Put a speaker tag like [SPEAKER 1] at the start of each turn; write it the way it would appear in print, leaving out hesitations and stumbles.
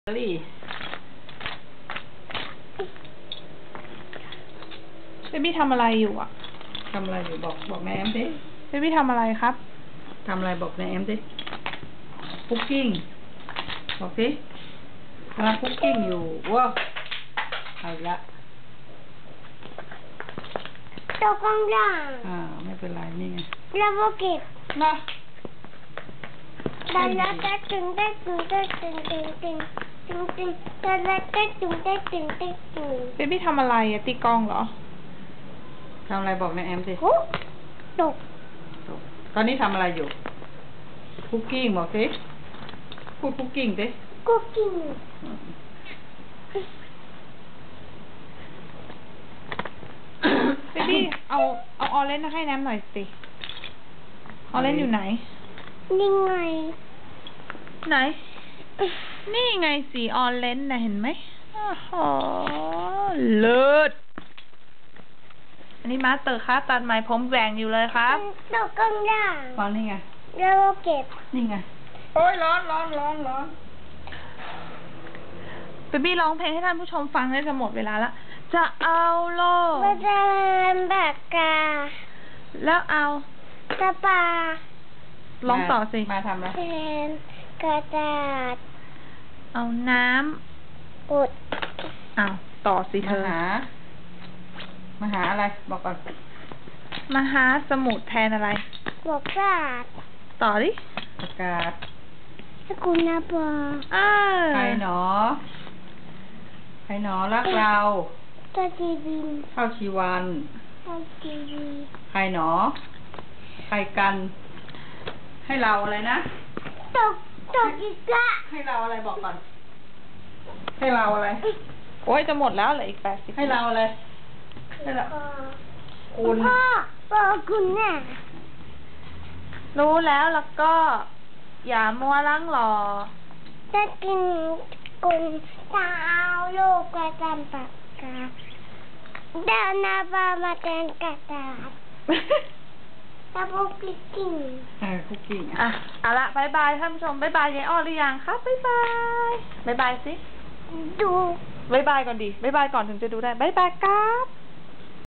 [SPEAKER 1] ลี่
[SPEAKER 2] เบบี้ทำอะไรอยู่อ่ะ
[SPEAKER 1] ทำอะไรอยู่บอกแม่แอมสิ
[SPEAKER 2] เบบี้ทำอะไรครับ
[SPEAKER 1] ทำอะไรบอกแม่แอมสิคุกกิ้งบอกสิกำลังคุกกิ้งอยู่ว้าวเอาละ
[SPEAKER 3] ตกกลางล่าง
[SPEAKER 1] ไม่เป็นไรนี่ไง
[SPEAKER 3] แล้วก็เก็บ
[SPEAKER 1] นะ
[SPEAKER 3] แล้วก็ตึงได้ตึงได้ตึงตึงตึงตึงตึงแล้วก็ตึงได้ตึงได้ตึง
[SPEAKER 2] เบบี้ทำอะไรอ่ะตีกลองเหรอ
[SPEAKER 1] ทำอะไรบอกแม่แอมสิ
[SPEAKER 3] ตก
[SPEAKER 1] ตอนนี้ทำอะไรอยู่คุกกิ้งบอกสิพูดคุกกิ้งสิ
[SPEAKER 3] คุกกิ้ง
[SPEAKER 2] เบบี้เอาออเรนจ์ให้น้ำหน่อยสิออเรนจ์อยู่ไหน
[SPEAKER 3] นี่ไง
[SPEAKER 2] ไหนนี่ไงสีออเรนจ์นะเห็นไหมโอ้โหเลิศอันนี้มาสเตอร์ครับตัดไหมผมแหว่งอยู่เลยครับ
[SPEAKER 3] ตกกลางล่าง
[SPEAKER 1] ตอนนี้ไง
[SPEAKER 3] แล้วก็เก็บ
[SPEAKER 1] นี่ไงโอ้ยร้อน
[SPEAKER 2] เบบี้ร้องเพลงให้ท่านผู้ชมฟังได้จะหมดเวลาละจะเอาโลก
[SPEAKER 3] มาจะปากกา
[SPEAKER 2] แล้วเอา
[SPEAKER 3] กระปา
[SPEAKER 2] ร้องต่อสิ
[SPEAKER 1] มาทำอะไร
[SPEAKER 3] แทนกระดาษ
[SPEAKER 2] เอาน้ำ
[SPEAKER 3] กด
[SPEAKER 2] เอาต่อสิเธอ
[SPEAKER 1] มาหาอะไรบอกก่อน
[SPEAKER 2] มหาสมุทรแทนอะไร
[SPEAKER 3] บอกกาด
[SPEAKER 2] ต่อดิ
[SPEAKER 1] ประกาศ
[SPEAKER 3] สกุลนาบอ
[SPEAKER 1] ใครหนอรักเรา
[SPEAKER 3] ตัวจีบิน
[SPEAKER 1] เข้าชีวัน
[SPEAKER 3] ตัวจีบี
[SPEAKER 1] ใครหนอใครกันให้เราอะไรนะ
[SPEAKER 3] ตกอีกละ
[SPEAKER 1] ให้เราอะไรบอกก่อนให้เราอะไร
[SPEAKER 2] โอ้ยจะหมดแล้วเหลืออีก80
[SPEAKER 1] ให้เราอะไรให้เราคุณ
[SPEAKER 3] พ่อคุณแน่
[SPEAKER 2] รู้แล้วก็อย่ามัวลังรอ
[SPEAKER 3] จะกินกุนเท้าลูกกระจำปากกาเดินนาบามาเดินกระดาษตะบุกคุกกิ้ง
[SPEAKER 1] คุกกิ้ง
[SPEAKER 2] เอาละบายบายท่านผู้ชมบายบายยายอ้อหรือยังครับบายบายสิ
[SPEAKER 3] ดู
[SPEAKER 2] บายบายก่อนดิบายบายก่อนถึงจะดูได้บายบายครับ